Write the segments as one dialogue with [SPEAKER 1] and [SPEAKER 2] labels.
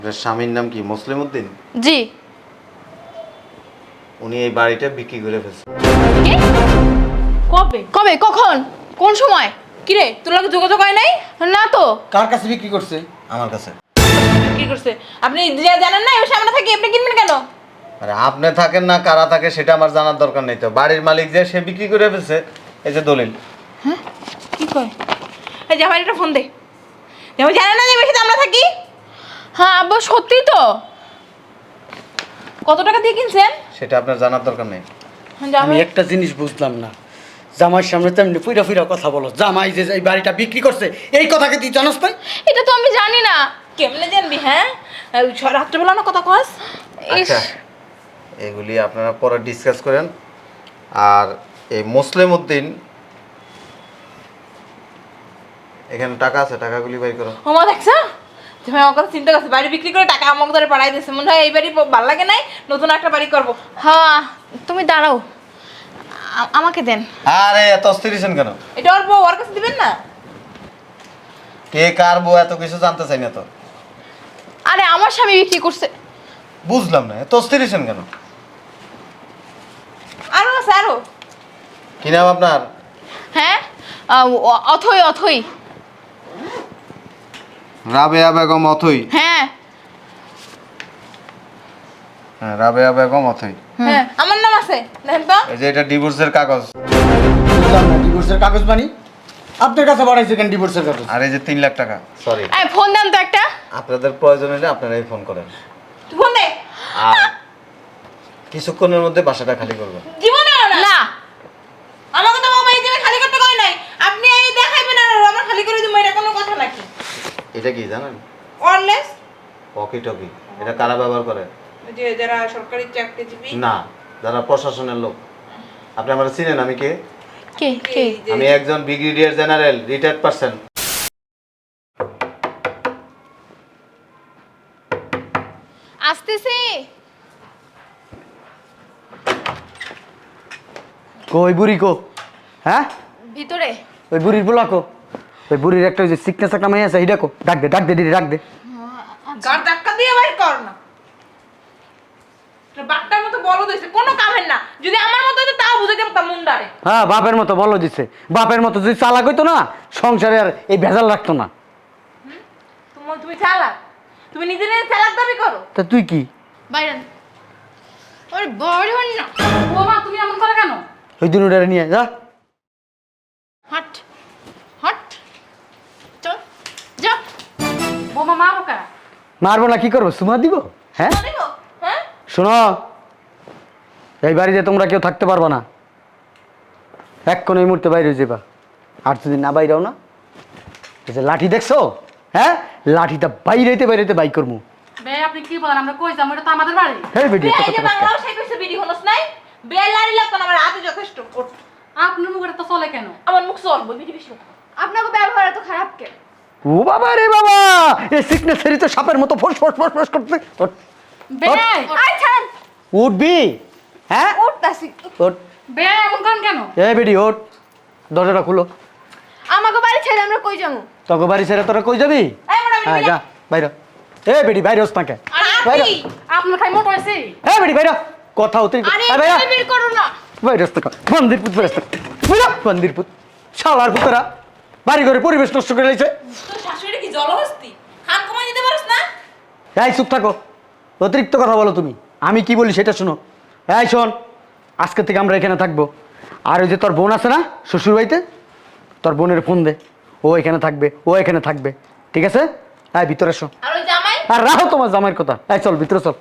[SPEAKER 1] আপনার স্বামীর নাম কি মুসলিম উদ্দিন?
[SPEAKER 2] জি।
[SPEAKER 1] উনি এই বাড়িটা বিক্রি করে ফেলছে।
[SPEAKER 2] কি? কবে কবে কখন কোন সময়? কি রে তোর লগে যোগাযোগ হয় নাই? না তো।
[SPEAKER 3] কার কাছে বিক্রি করছে?
[SPEAKER 1] আমার কাছে।
[SPEAKER 2] কি করছে? আপনি জানেন না এই সামনে থাকি আপনি কিনবেন কেন?
[SPEAKER 1] আরে আপনি থাকেন না কারা থাকে সেটা আমার জানার দরকার নেই তো। বাড়ির মালিক যে সে বিক্রি করে ফেলছে, এই যে দলিল।
[SPEAKER 2] হ্যাঁ কি কয়? এই যে আমার একটা ফোন দে। যেমন জানেন না যে বেশি আমরা থাকি? হ্যাঁ আব্বা সত্যি তো। কত টাকা দিয়ে কিনছেন?
[SPEAKER 1] সেটা আপনার জানার দরকার নেই।
[SPEAKER 3] আমি একটা জিনিস বুঝলাম না, জামাইয়ের সামনে তেমনি ফুইরা ফুইরা কথা বলো। জামাই যে এই বাড়িটা বিক্রি করছে এই কথাকে তুই জানোস তাই?
[SPEAKER 2] এটা তো আমি জানি না। কেমনে জানবি? হ্যাঁ রাত্রেবেলা না কথা কস।
[SPEAKER 1] আচ্ছা এগুলি আপনারা পরে ডিসকাস করেন। আর এই মুসলিম উদ্দিন এখানে টাকা আছে, টাকাগুলি বাই করো।
[SPEAKER 2] ওমা দেখছো তুমি আমার কথা চিন্তা করছো, বাড়ি বিক্রি করে টাকা আমাকে ধরে পাঠাই দিচ্ছে। মনে হয় এই বাড়ি ভালো লাগে নাই, নতুন একটা বাড়ি করবো। হ্যাঁ তুমি দাঁড়াও, আমাকে দেন।
[SPEAKER 1] আরে এত অস্থির হইছেন কেন?
[SPEAKER 2] এটা ওর বউ, ওর কাছে দিবেন না?
[SPEAKER 1] কে কার বউ এত কিছু জানতে চাই না তো।
[SPEAKER 2] আরে আমার স্বামী বিক্রি করছে।
[SPEAKER 1] বুঝলাম না এত অস্থির হইছেন কেন?
[SPEAKER 2] আরো আছে আরো।
[SPEAKER 1] কি নাম আপনার?
[SPEAKER 2] হ্যাঁ অথই অথই।
[SPEAKER 1] রাবেয়া বেগম অথই।
[SPEAKER 2] হ্যাঁ
[SPEAKER 1] হ্যাঁ রাবেয়া বেগম অথই।
[SPEAKER 2] হ্যাঁ আমার নাম আছে দেখেন তো।
[SPEAKER 1] এই যে এটা ডিভোর্সের কাগজ।
[SPEAKER 3] বুঝলাম না, ডিভোর্সের কাগজ বানি আপনার কাছে বাড়াইছে কেন ডিভোর্সের কাগজ?
[SPEAKER 1] আর এই যে 3 লাখ টাকা। সরি,
[SPEAKER 2] এই ফোন দেন তো একটা।
[SPEAKER 1] আপনাদের প্রয়োজন হলে আপনারাই ফোন করেন।
[SPEAKER 2] তুই ফোন দে।
[SPEAKER 1] আর কিছুক্ষণের মধ্যে বাসাটা খালি করবেন।
[SPEAKER 2] জীবনে না আমাকে তো বাবা এই যে খালি করতে কই নাই। আপনি এই দেখাইবেন আর আমরা খালি করে দিব, এটা কোনো কথা নাকি?
[SPEAKER 1] এটা কি জানেন?
[SPEAKER 2] অনলেস
[SPEAKER 1] ওয়াকি টকি। এটা কারা ব্যবহার করে?
[SPEAKER 2] যে যারা সরকারি চাকরিজীবী।
[SPEAKER 1] না, যারা প্রশাসনের লোক। আপনি আমার চিনেন আমি কে?
[SPEAKER 2] কে কে?
[SPEAKER 1] আমি একজন ব্রিগেডিয়ার জেনারেল, রিটায়ার্ড পারসন।
[SPEAKER 2] আসতেছি।
[SPEAKER 3] ওই বুড়ি কো? হ্যাঁ
[SPEAKER 2] ভিতরে।
[SPEAKER 3] ওই বুড়ির বলা কো? ওই বুড়ির একটা ওই যে সিকনেস একটা মেয়ে আছে এইটা কো? ডাক দে ডাক দে দিদি ডাক দে।
[SPEAKER 2] গার ধাক্কা দিয়ে বাইর কর না। তোর বাপটার মতো বলদ হইছে, কোনো কামের না। যদি আমার মতো হতো তাও বুঝাইতে পারতাম মুন্ডারে।
[SPEAKER 3] হ্যাঁ বাপের মতো বলো দিচ্ছে। বাপের মতো যদি চালাক হইতো না সংসারে আর এই ভেজাল রাখতো না।
[SPEAKER 2] তুমি চালাক, তুমি নিজে নিজে চালাক দাবি করো।
[SPEAKER 3] তা তুই কি?
[SPEAKER 2] বাইরেন ওরে বড় হন না।
[SPEAKER 4] ও মা তুমি এমন করে কেন?
[SPEAKER 3] ওই দিন ওটা নিয়ে যা।
[SPEAKER 2] হট হট চল যা।
[SPEAKER 4] বোমা মারো কা?
[SPEAKER 3] মারবো না কি করবো? সুমা দিব? হ্যাঁ
[SPEAKER 2] দেখো হ্যাঁ
[SPEAKER 3] শোনো, এই বাড়িতে তোমরা কেউ থাকতে পারবা না। এক্ষণ এই মুহূর্তে বাইরে যাবা। আর যদি না বাইরেও না, এই যে লাঠি দেখছো, হ্যাঁ লাঠিটা বাইরেতে বাইরেতে বাই করবো।
[SPEAKER 4] বে আপনি কি বলেন? আমরা কই যাবো? এটা তো আমাদের বাড়ি।
[SPEAKER 3] হ্যাঁ বেটি
[SPEAKER 2] এই যে বাংলাও সেই কইছে বিডি হনস নাই। বেলারি লাগতো না, আমার হাতে যথেষ্ট। ওঠ।
[SPEAKER 4] আপনার মুখে তো চলে কেন?
[SPEAKER 2] আমার মুখ চলবো বিডি বেশি কথা। আপনাকে ব্যবহার এত খারাপ কেন?
[SPEAKER 3] ও বাবা রে বাবা, এই সিকনেস তো সাপের মতো ফোস ফোস ফোস ফোস করতে। ওঠ,
[SPEAKER 4] বে
[SPEAKER 2] আই ছাড়েন।
[SPEAKER 3] উঠবি? হ্যাঁ
[SPEAKER 2] উঠতাছি।
[SPEAKER 3] ওঠ।
[SPEAKER 4] বে এমন করেন কেন?
[SPEAKER 3] এই বেটি ওঠ, দরজাটা খুলো।
[SPEAKER 2] আমাকে বাড়ি ছেড়ে আমরা কই যাবো?
[SPEAKER 3] তোকে বাড়ি ছেড়ে তোরা কই যাবি?
[SPEAKER 2] এই মোটা বিডি
[SPEAKER 3] হ্যাঁ যা বাইরে। এ বেটি বাইরে হস না কে? বাইরে।
[SPEAKER 4] আপনার খাই মোট হয়েছে?
[SPEAKER 3] এ বেটি বাইরে। কথা হতে
[SPEAKER 2] আরে
[SPEAKER 3] বাইরে
[SPEAKER 2] এই বের করো না।
[SPEAKER 3] বাইরে হস না। মন্দির পুত বাইরে হস না। বুঝা মন্দির পুত। শালার পুতরা বাড়ি ঘরে পরিবেশ নষ্ট করে লাইছে।
[SPEAKER 2] তোর শাশুড়ি কি জলহস্তি? খান কমাই দিতে পারছ না?
[SPEAKER 3] এই চুপ থাকো, অতিরিক্ত কথা বলো তুমি। আমি কি বলি সেটা শোনো। এই শোন, আজকে থেকে আমরা এখানে থাকবো। আর ওই যে তোর বোন আছে না শ্বশুর বাড়িতে, তোর বোনের ফোন দে, ও এখানে থাকবে, ও এখানে থাকবে, ঠিক আছে? হ্যাঁ ভিতরে এসো।
[SPEAKER 2] আর ওই জামাই?
[SPEAKER 3] আর রাখো তোমার জামাইয়ের কথা। এই চল ভিতরে চল।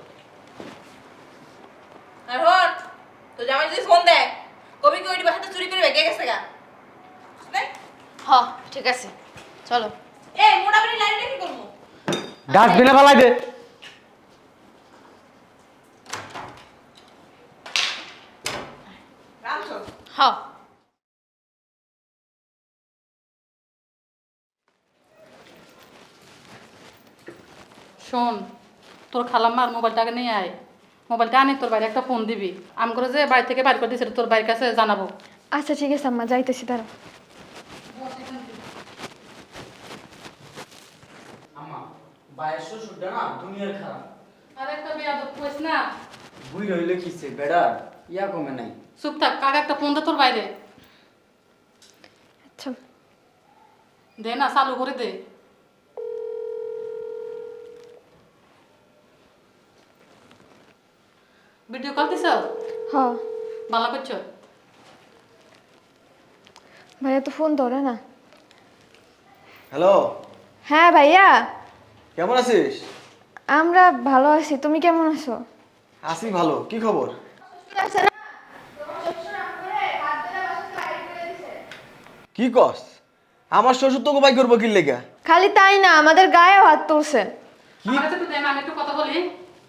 [SPEAKER 2] আর হন তো জামাই যদি ফোন দেয় কবি কি ওইটি বাসাতে চুরি করে বেঁকে গেছে গা? হ্যাঁ ঠিক আছে চলো। এই মোটা বিডি লাইনটা কি করবো?
[SPEAKER 3] ডাস্টবিনে ফেলাই দে।
[SPEAKER 2] হ্যাঁ
[SPEAKER 4] শোন, তোর খালাম্মার মোবাইলটাকে নিয়ে আয়। মোবাইলটা আনি তোর বাইরে একটা ফোন দিবি। আমি করে যে বাড়ি থেকে বাইর করে দিয়েছে তোর বাড়ির কাছে জানাবো।
[SPEAKER 5] আচ্ছা ঠিক আছে আম্মা, যাইতেছি দাঁড়াও।
[SPEAKER 3] ভাইয়ের শ্বশুরটা না দুনিয়ার খারাপ।
[SPEAKER 4] আর একটা বেয়াদব কইস না।
[SPEAKER 3] বুই রইলে কিছে বেড়ার ইয়া কমে নাই।
[SPEAKER 4] চুপ থাক, কাকা একটা ফোন দে তোর বাইরে।
[SPEAKER 5] আচ্ছা
[SPEAKER 4] দে না, চালু করে দে। ভিডিও কল দিছ?
[SPEAKER 5] হ
[SPEAKER 4] ভালো করছো?
[SPEAKER 5] ভাইয়া তো ফোন ধরে না।
[SPEAKER 3] হ্যালো,
[SPEAKER 5] হ্যাঁ ভাইয়া,
[SPEAKER 3] কেমন আছিস?
[SPEAKER 5] আমরা ভালো আছি, তুমি কেমন আছো?
[SPEAKER 3] আছি ভালো। কি খবর? কি কস? আমার শ্বশুর তোকে বাই করবো কি লেগা?
[SPEAKER 5] খালি তাই না, আমাদের গায়েও হাত তুলছে।
[SPEAKER 4] আমার কাছে একটু দে না, আমি একটু কথা বলি।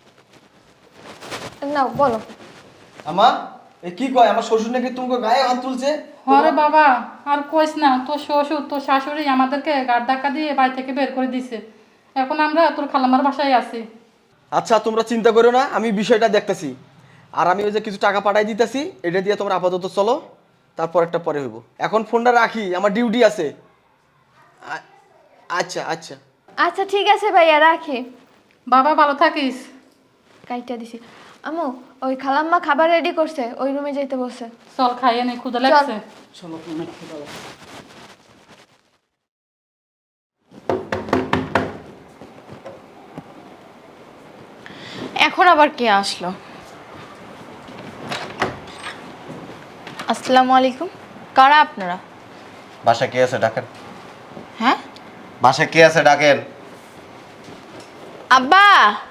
[SPEAKER 5] নাও বলো।
[SPEAKER 3] আমার এই কি কয়, আমার শ্বশুর নাকি তোমাকে গায়ে হাত তুলছে?
[SPEAKER 4] আরে বাবা, আর কইস না, তোর শ্বশুর তোর শাশুড়ি আমাদেরকে গাড় ধাক্কা দিয়ে বাড়ি থেকে বের করে দিছে। এখন আমরা তোর খালামার বাসায় আছি।
[SPEAKER 6] আচ্ছা, তোমরা চিন্তা করো না, আমি বিষয়টা দেখতেছি। আর আমি ওই যে কিছু টাকা পাঠাই দিতেছি, এটা দিয়ে তোমরা আপাতত চলো, তারপর একটা পরে হইব। এখন ফোনটা রাখি, আমার ডিউটি আছে। আচ্ছা আচ্ছা।
[SPEAKER 5] আচ্ছা ঠিক আছে ভাইয়া, রাখি।
[SPEAKER 4] বাবা ভালো থাকিস।
[SPEAKER 5] কাইটা দিছি। আমু, ওই খালাম্মা খাবার রেডি করছে, ওই রুমে যাইতে বসে।
[SPEAKER 4] চল খাইয়ে নে, ক্ষুধা লাগছে।
[SPEAKER 3] চলো তুমি একটু দাও।
[SPEAKER 2] এখন আবার কে আসলো? আসসালামু আলাইকুম, কারা আপনারা?
[SPEAKER 1] বাসা কে আছে ডাকেন।
[SPEAKER 2] হ্যাঁ
[SPEAKER 1] বাসা কে আছে ডাকেন।
[SPEAKER 2] আব্বা,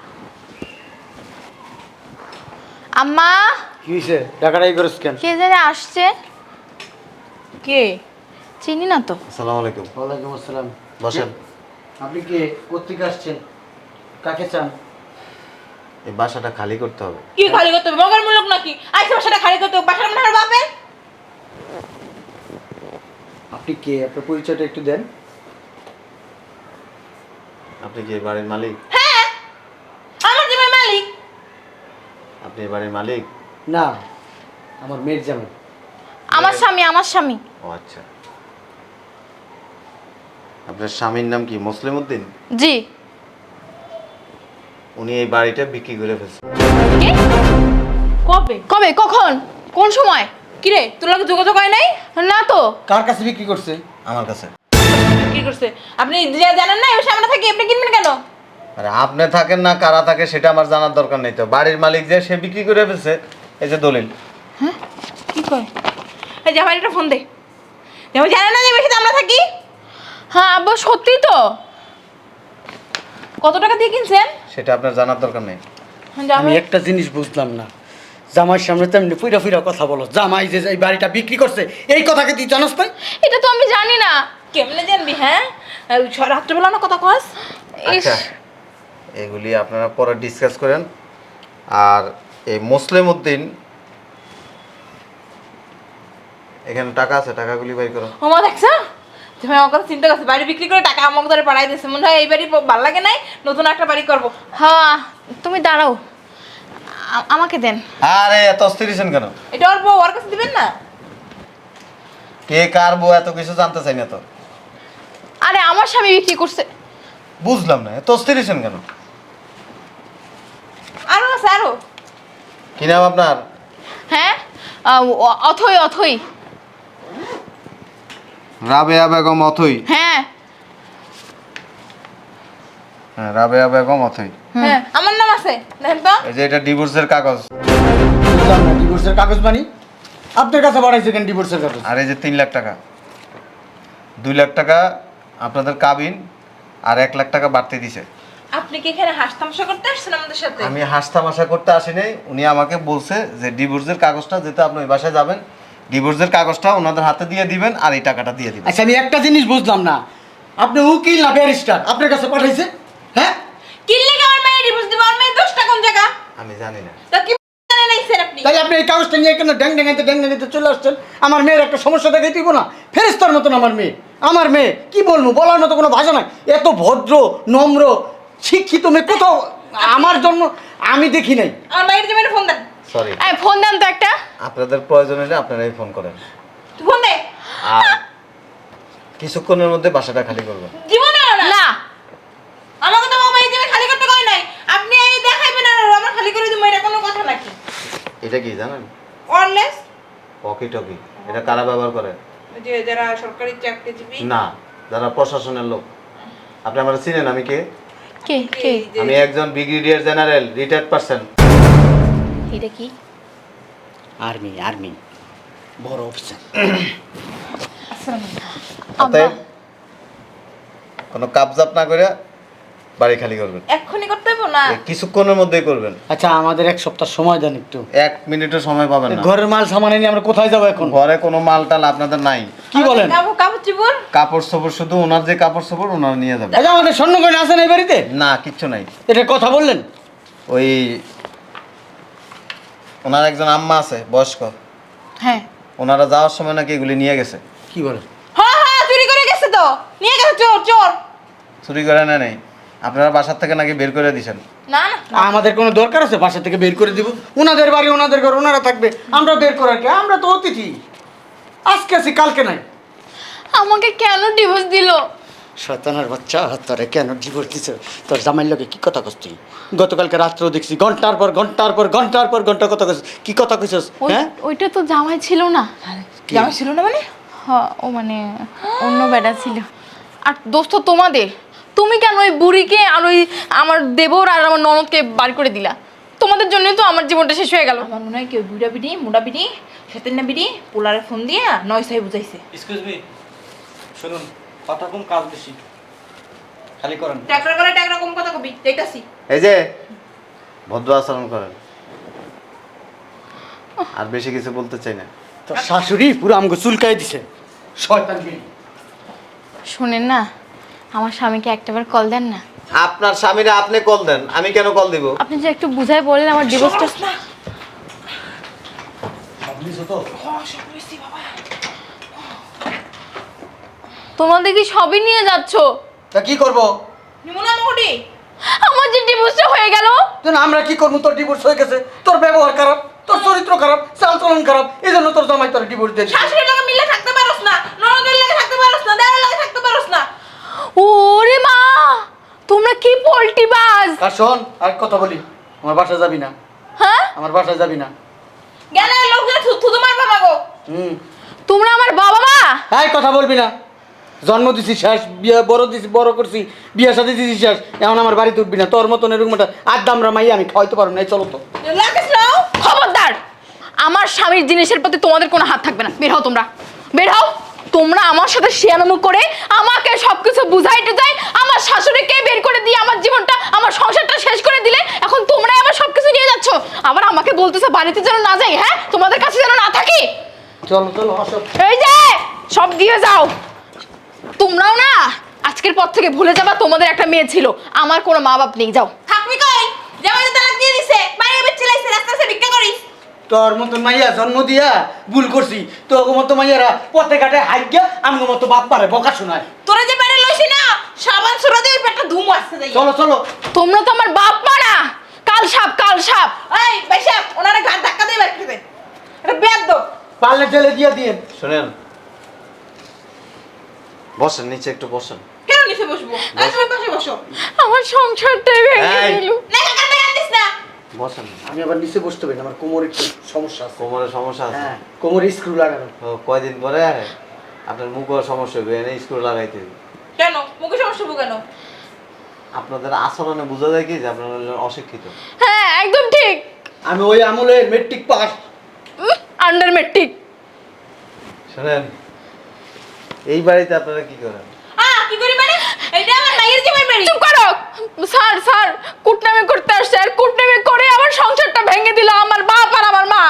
[SPEAKER 2] আম্মা,
[SPEAKER 3] কি হয়েছে? টাকাটাই করিস কেন?
[SPEAKER 2] কে জানে আসছে। কে? চিনি না তো।
[SPEAKER 1] আসসালামু আলাইকুম।
[SPEAKER 3] ওয়ালাইকুম আসসালাম।
[SPEAKER 1] বসেন।
[SPEAKER 3] আপনি কে? কোত্থেকে আসছেন? কাকে চান?
[SPEAKER 1] এই বাসাটা খালি করতে হবে।
[SPEAKER 2] কি খালি করতে হবে? মগের মূলক নাকি? আইসা বাসাটা খালি করতে হবে? বাসার মনে হয় বাপের।
[SPEAKER 3] আপনি কে? আপনার পরিচয়টা একটু দেন।
[SPEAKER 1] আপনি কি এই বাড়ির মালিক?
[SPEAKER 2] হ্যাঁ, আমার যে মালিক।
[SPEAKER 1] আপনি এই বাড়ির মালিক?
[SPEAKER 3] না, আমার মেয়ের জামাই।
[SPEAKER 2] আমার স্বামী, আমার স্বামী।
[SPEAKER 1] ও আচ্ছা। আপনার স্বামীর নাম কি? মুসলিম উদ্দিন?
[SPEAKER 2] জি।
[SPEAKER 1] উনি এই বাড়িটা বিক্রি করে ফেলছে।
[SPEAKER 2] কি? কবে? কবে? কখন? কোন সময়? কিরে, তোর লগে যোগাযোগ হয় নাই? না তো।
[SPEAKER 3] কার কাছে বিক্রি করছে?
[SPEAKER 1] আমার কাছে।
[SPEAKER 2] কি করছে? আপনি যে জানেন না, এর সামনে থাকি আপনি কিনবেন কেন?
[SPEAKER 1] আরে আপনি থাকেন না কারা থাকে সেটা আমার জানার দরকার নেই তো। বাড়ির মালিক যে সে বিক্রি করে ফেলছে, এই যে দলিল।
[SPEAKER 2] হ্যাঁ? কি কয়? এই জামাই একটা ফোন দে। জামাই জানে না যে বেশি আমরা থাকি? হ্যাঁ আব্বা, সত্যি তো। কত টাকা দিয়ে কিনছেন?
[SPEAKER 1] সেটা আপনার জানার দরকার নেই।
[SPEAKER 3] আমি
[SPEAKER 2] জামাই
[SPEAKER 3] একটা জিনিস বুঝলাম না, জামাইয়ের সামনে তেমনি ফুইরা ফুইরা কথা বলো। জামাই যে এই বাড়িটা বিক্রি করছে, এই কথাকে তুই জানাস না?
[SPEAKER 2] এটা তো আমি জানি না। কেমনে জানবি? হ্যাঁ, রাত্রেবেলা না কথা কস।
[SPEAKER 1] আচ্ছা, এগুলি আপনারা পরে ডিসকাস করেন। আর এই মুসলিম উদ্দিন, এখানে টাকা আছে, টাকাগুলি বাই করো।
[SPEAKER 2] ওমা দেখছো, তুমি আমার কথা চিন্তা করছো, বাড়ি বিক্রি করে টাকা আমাকে ধরে পাঠাই দিচ্ছে। মনে হয় এই বাড়ি ভালো লাগে নাই, নতুন একটা বাড়ি করবো। হ্যাঁ, তুমি দাঁড়াও, আমাকে দেন।
[SPEAKER 1] আরে এত অস্থির হইছেন কেন?
[SPEAKER 2] এটা ওর বউ, ওর কাছে দিবেন না?
[SPEAKER 1] কে কার বউ এত কিছু জানতে চাই না তো।
[SPEAKER 2] আরে আমার স্বামী বিক্রি করছে।
[SPEAKER 1] বুঝলাম না, এত অস্থির হইছেন কেন?
[SPEAKER 2] আরো আছে, আরো।
[SPEAKER 1] কি নাম আপনার?
[SPEAKER 2] হ্যাঁ, অথই, অথই।
[SPEAKER 1] রাবেয়া বেগম অথই।
[SPEAKER 2] হ্যাঁ
[SPEAKER 1] হ্যাঁ, রাবেয়া বেগম অথই।
[SPEAKER 2] হ্যাঁ, আমার নাম আছে, দেখেন তো।
[SPEAKER 1] এই যে এটা ডিভোর্সের কাগজ।
[SPEAKER 3] বুঝলাম না, ডিভোর্সের কাগজ বানি আপনার কাছে বাড়াইছে কেন? ডিভোর্সের কাগজ?
[SPEAKER 1] আর এই যে 3 লাখ টাকা, 2 লাখ টাকা আপনাদের কাবিন, আর 1 লাখ টাকা বাড়তে দিছে।
[SPEAKER 2] আপনি কি এখানে হাসতামশা করতে আসছেন আমাদের সাথে?
[SPEAKER 1] আমি হাসতামাশা করতে আসি নাই। উনি আমাকে বলছে যে ডিভোর্সের কাগজটা, যেতে আপনি ওই বাসায় যাবেন, ডিভোর্সের কাগজটা ওনাদের হাতে দিয়ে দিবেন আর এই টাকাটা দিয়ে দিবেন।
[SPEAKER 3] আচ্ছা, আমি একটা জিনিস বুঝলাম না, আপনি উকিল না ব্যারিস্টার, আপনার কাছে পাঠাইছে? হ্যাঁ,
[SPEAKER 2] কি লাগে আমার মেয়ে ডিভোর্স দিবে? আমার মেয়ে দোষটা কোন জায়গা?
[SPEAKER 1] আমি জানি না।
[SPEAKER 2] তা কি জানেন নাই স্যার আপনি?
[SPEAKER 3] তাই আপনি এই কাগজটা নিয়ে কেন ড্যাং ড্যাঙাইতে চলে আসছেন? আমার মেয়ের একটা সমস্যা দেখাই দিব না? ফেরেস্তার মতন আমার মেয়ে, আমার মেয়ে কি বলবো, বলার মতো কোনো ভাষা নাই। এত ভদ্র, নম্র, শিক্ষিত মেয়ে কোথাও আমার জন্য আমি দেখি নাই।
[SPEAKER 2] আমার মায়ের জন্য ফোন দেন।
[SPEAKER 1] সরি,
[SPEAKER 2] এই ফোন দেন তো একটা।
[SPEAKER 1] আপনাদের প্রয়োজন হলে আপনারাই ফোন করেন।
[SPEAKER 2] তুই ফোন দে।
[SPEAKER 1] আর কিছুক্ষণের মধ্যে বাসাটা খালি করবেন।
[SPEAKER 2] জীবনে না। না। আমার কথা বাবা এই
[SPEAKER 1] এটা কি জানেন?
[SPEAKER 2] Wireless
[SPEAKER 1] walkie talkie. এটা কারা ব্যবহার করে?
[SPEAKER 2] যে যারা সরকারি চাকরিজীবী।
[SPEAKER 1] না, যারা প্রশাসনের লোক। আপনি আমার চিনেন আমি কে?
[SPEAKER 5] কে কে
[SPEAKER 1] আমি একজন ব্রিগেডিয়ার জেনারেল, রিটায়ার্ড পারসন।
[SPEAKER 5] এটা কি?
[SPEAKER 3] আর্মি বড় অফিসার।
[SPEAKER 1] অতএব কোনো কাবজাপ না করে বাড়ি খালি করবেন।
[SPEAKER 2] এক্ষুনি করতে হবে না।
[SPEAKER 1] এই কিছুক্ষণের মধ্যেই করবেন।
[SPEAKER 3] আচ্ছা আমাদের এক সপ্তাহ সময় দেন একটু।
[SPEAKER 1] 1 মিনিটও সময় পাবেন না।
[SPEAKER 3] ঘরের মাল সামান নিয়ে আমরা কোথায় যাবো এখন?
[SPEAKER 1] ঘরে কোনো মাল টাল আপনাদের নাই।
[SPEAKER 3] কি বলেন?
[SPEAKER 2] কাপড় চিপুর
[SPEAKER 1] কাপড় চোপড় শুধু ওনার যে কাপড় চোপড় ওনার নিয়ে যাবেন।
[SPEAKER 3] আচ্ছা আমাদের স্বর্ণ গয়না আছে না এই বাড়িতে?
[SPEAKER 1] না, কিচ্ছু নাই।
[SPEAKER 3] এটা কথা বললেন?
[SPEAKER 1] ওই ওনার একজন আম্মা আছে বয়স্ক,
[SPEAKER 2] হ্যাঁ
[SPEAKER 1] ওনারা যাওয়ার সময় নাকি এগুলি নিয়ে গেছে।
[SPEAKER 3] কি বলেন?
[SPEAKER 2] হ্যাঁ হ্যাঁ চুরি করে গেছে তো, নিয়ে গেছে চোর চোর।
[SPEAKER 1] চুরি করে না নেই, আপনারা বাসার থেকে নাকি বের করে দিয়েছেন।
[SPEAKER 2] না না
[SPEAKER 3] আমাদের কোনো দরকার আছে বাসা থেকে বের করে দিব? ওনাদের বাড়ি ওনাদের ঘর ওনারা থাকবে, আমরা বের করার কি? আমরা তো অতিথি, আজকে আছি কালকে নাই।
[SPEAKER 5] আমাকে কেন ডিভোর্স দিল?
[SPEAKER 3] শয়তানের বাচ্চা, তোরে কেন ডিভোর্স দিছ? তোর জামাইর লগে কি কথা কস তুই? গতকালকে রাত্রেও দেখছি ঘন্টার পর ঘন্টা কথা কস। কি কথা কইছস? হ্যাঁ
[SPEAKER 5] ওইটা তো জামাই ছিল না।
[SPEAKER 2] জামাই ছিল না মানে?
[SPEAKER 5] হ্যাঁ ও মানে অন্য বেটা ছিল। আর দোস্ত তোমাদের, তুমি কেন ওই বুড়িকে আর ওই আমার দেবর আর আমার ননদকে বার করে দিলা? তোমাদের জন্যই তো আমার জীবনটা শেষ হয়ে গেল।
[SPEAKER 2] আমার মনে হয় কেউ বুড়া বিড়ি মোটা বিড়ি সেতেনা বিড়ি পোলারে ফোন দিয়ে নয় সাই বুঝাইছে।
[SPEAKER 3] এক্সকিউজ মি, শুনুন, কথা কম কাজ বেশি, খালি করেন।
[SPEAKER 2] ট্যাকরা করে ট্যাকরা কম কথা কবি দেখতাছি।
[SPEAKER 1] এই যে ভদ্র আচরণ করেন, আর বেশি কিছু বলতে চাই না।
[SPEAKER 3] তোর শাশুড়ি পুরো আমগো চুলকাই দিছে, শয়তান বিড়ি।
[SPEAKER 5] শোনেন না, আমার স্বামীকে একটাবার কল দেন না।
[SPEAKER 1] আপনার স্বামীরা আপনি কল দেন, আমি কেন কল দিব?
[SPEAKER 5] আপনি যে একটু বুঝাই বললেন আমার ডিভোর্সটা। তোমাদের কি সবই নিয়ে যাচ্ছ?
[SPEAKER 3] তা কি করবো?
[SPEAKER 2] নিমুনা মোটি
[SPEAKER 5] আমার যে ডিভোর্সটা হয়ে গেল।
[SPEAKER 3] যেন আমরা কি করবো? তোর ডিভোর্স হয়ে গেছে, তোর ব্যবহার খারাপ, তোর চরিত্র খারাপ, চালচলন খারাপ, এই জন্য তোর জামাই তোর ডিভোর্স দিয়ে দিছে।
[SPEAKER 2] শাশুড়ির লগে মিলে থাকতে পারোস না, ননদের লগে থাকতে পারোস না, দেওরের লগে থাকতে পারোস না।
[SPEAKER 5] ওরে মা, তোমরা কি পোল্টি বাজ!
[SPEAKER 3] আর শোন, আর কথা বলি, আমার বাসায় যাবি না,
[SPEAKER 5] হ্যাঁ
[SPEAKER 3] আমার বাসায় যাবি না।
[SPEAKER 2] গেলে লোকজন থুতু মারবা মাগো।
[SPEAKER 3] হুম,
[SPEAKER 5] তোমরা আমার বাবা মা।
[SPEAKER 3] এই কথা বলবি না। জন্ম দিছি শেষ, বিয়ে বড় করছি, বিয়ে সাথে দিছি শেষ, এখন আমার বাড়িতে উঠবি না। তোর মতন এরকম একটা আড্ডামরা মাই আমি খাওয়াইতে পারবো না। এই চলো তো।
[SPEAKER 2] লাগিস নাও।
[SPEAKER 5] খবরদার, আমার স্বামীর জিনিসের প্রতি তোমাদের কোনো হাত থাকবে না। বের হও তোমরা, বের হও। তোমরা আমার সাথে শিয়ানামু করে আমাকে সবকিছু বুঝাইতে যাই, আমার শাশুড়িকে বের করে দিয়ে আমার জীবনটা আমার সংসারটা শেষ করে দিলে, এখন তোমরাই আমার সবকিছু নিয়ে যাচ্ছ। আবার আমাকে বলতেছো বাড়িতে যেন না যাই, হ্যাঁ তোমাদের কাছে যেন না থাকি।
[SPEAKER 3] চলো চলো আসো।
[SPEAKER 5] এই যে সব দিয়ে যাও। তোমরাও না আজকের পর থেকে ভুলে যাবা তোমাদের একটা মেয়ে ছিল, আমার কোনো মা বাপ নেই। যাও।
[SPEAKER 2] থাকবি কই? জামাই তো তালাক দিয়ে দিছে, বাইরে বেচে লাইছে, রাস্তায় ভিক্ষা করিস।
[SPEAKER 3] তোর মতন মাইয়া জন্ম দিয়া ভুল করছি, তোর মতো মাইয়ারা পথে ঘাটে হাইগা আমার মতো বাপ পারে বকা শোনায়।
[SPEAKER 2] তোরা যে বাইরে লইছি না, সাবান সুরা দিয়ে ওই পেটটা ধুম আসছে যাই।
[SPEAKER 3] চলো চলো।
[SPEAKER 5] তোমরা তো আমার বাপ মা না, কাল সাপ কাল সাপ।
[SPEAKER 2] এই বাইসা ওনারে ঘাট ধাক্কা দিয়ে বের করে দে। এটা বেদ দো।
[SPEAKER 3] পারলে জেলে দিয়ে দিন।
[SPEAKER 1] শুনেন, বসেন নিচে, একটু বসেন।
[SPEAKER 2] কেন নিচে বসবো? এই তুমি পাশে বসো।
[SPEAKER 5] আমার সংসারটাই ভেঙে
[SPEAKER 1] এই।
[SPEAKER 5] দিল।
[SPEAKER 2] না কাকা আনতিস না।
[SPEAKER 1] বসেন।
[SPEAKER 3] আমি আবার নিচে বসতে পারি না, আমার কোমরে একটু সমস্যা আছে।
[SPEAKER 1] কোমরের সমস্যা আছে?
[SPEAKER 3] হ্যাঁ, কোমরে স্ক্রু লাগানো।
[SPEAKER 1] তো কয়দিন পরে আপনার মুখের সমস্যা হবে, এনে স্ক্রু লাগাইতে হবে।
[SPEAKER 2] কেন? মুখে সমস্যা হবে কেন?
[SPEAKER 1] আপনাদের আচরণে বোঝা যায় কি যে আপনারা হলেন অশিক্ষিত।
[SPEAKER 5] হ্যাঁ একদম ঠিক।
[SPEAKER 3] আমি ওই আমলের মেট্রিক পাস।
[SPEAKER 5] Under matric.
[SPEAKER 1] শুনেন, এই বাড়িতে আপনারা কি করেন?
[SPEAKER 2] কি করি মানে? এইটা আমার মায়ের জামাই বাড়ি।
[SPEAKER 5] চুপ করো। স্যার স্যার কুটনামি করতে আসছে, আর কুটনামি করে আমার সংসারটা ভেঙে দিল আমার বাপ আর আমার মা।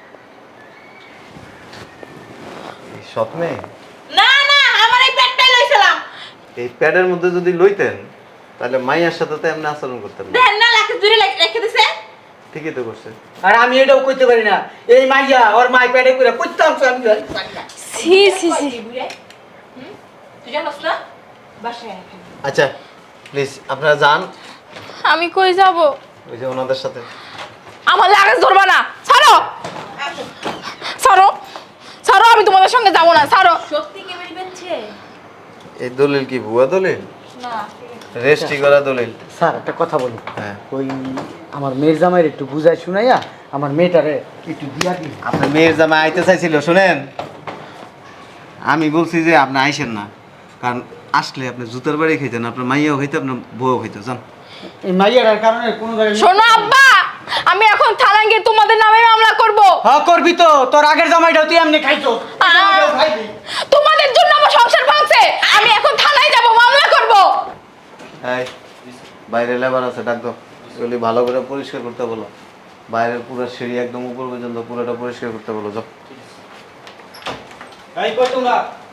[SPEAKER 1] এই সৎ মেয়ে?
[SPEAKER 2] না না, আমার এই পেটটাই লইছিলাম।
[SPEAKER 1] এই প্যাডের মধ্যে যদি লইতেন তাহলে মাইয়ার সাথে তো এমনি আচরণ করতেন না।
[SPEAKER 2] দেন না লাখে জুড়ে রেখে দিছে।
[SPEAKER 1] ঠিকই তো করছে।
[SPEAKER 3] আর আমি এটাও কইতে পারি না, এই মাইয়া ওর মাই প্যাডে করে কইতে আমি পারি না।
[SPEAKER 5] সি সি সি।
[SPEAKER 2] তুই জানোস না? বাসায় রেখে।
[SPEAKER 1] আচ্ছা প্লিজ আপনারা যান,
[SPEAKER 5] আমি কই যাব?
[SPEAKER 1] ওই যে ওনাদের সাথে।
[SPEAKER 5] আমার লাগেজ ধরবা না। ছাড়ো
[SPEAKER 2] আসো।
[SPEAKER 5] ছাড়ো ছাড়ো, আমি তোমাদের সঙ্গে যাব না। ছাড়ো।
[SPEAKER 2] সত্যি কে বেরিয়ে বেনছে?
[SPEAKER 1] এই দলিল কি ভুয়া দলিল?
[SPEAKER 2] না, ঠিক আছে।
[SPEAKER 1] রেজিস্ট্রি করা দলিল।
[SPEAKER 3] স্যার একটা কথা বলি,
[SPEAKER 1] হ্যাঁ।
[SPEAKER 3] ওই আমার মেয়ের জামাইয়ের একটু বুঝাই শুনাইয়া আমার মেয়েটারে একটু দিয়া দিন।
[SPEAKER 1] আপনার মেয়ের জামাই আইতে চাইছিল, শুনেন আমি বলছি যে আপনি আইসেন না, কারণ আসলে আপনি জুতার বাড়ি খাইতেন, আপনার মাইয়াও খাইতে, আপনার বউও খাইতে। যান।
[SPEAKER 3] এই মাইয়াটার কারণে কোনো জায়গায়
[SPEAKER 5] শোনো আব্বা, আমি এখন থানায় গিয়ে তোমাদের নামে মামলা করব।
[SPEAKER 3] হ্যাঁ করবি তো, তোর আগের জামাইটাও তুই এমনি খাইছো।
[SPEAKER 5] তোমাদের জন্য আমার সংসার ভাঙছে, আমি এখন থানায় যাব, মামলা করব।
[SPEAKER 1] এই বাইরে লেবার আছে, ডাক দাও। এগুলি ভালো করে পরিষ্কার করতে বলো, বাইরের পুরো সিঁড়ি একদম উপর পর্যন্ত পুরোটা পরিষ্কার করতে বলো। যাও।
[SPEAKER 3] এই কই তোমরা?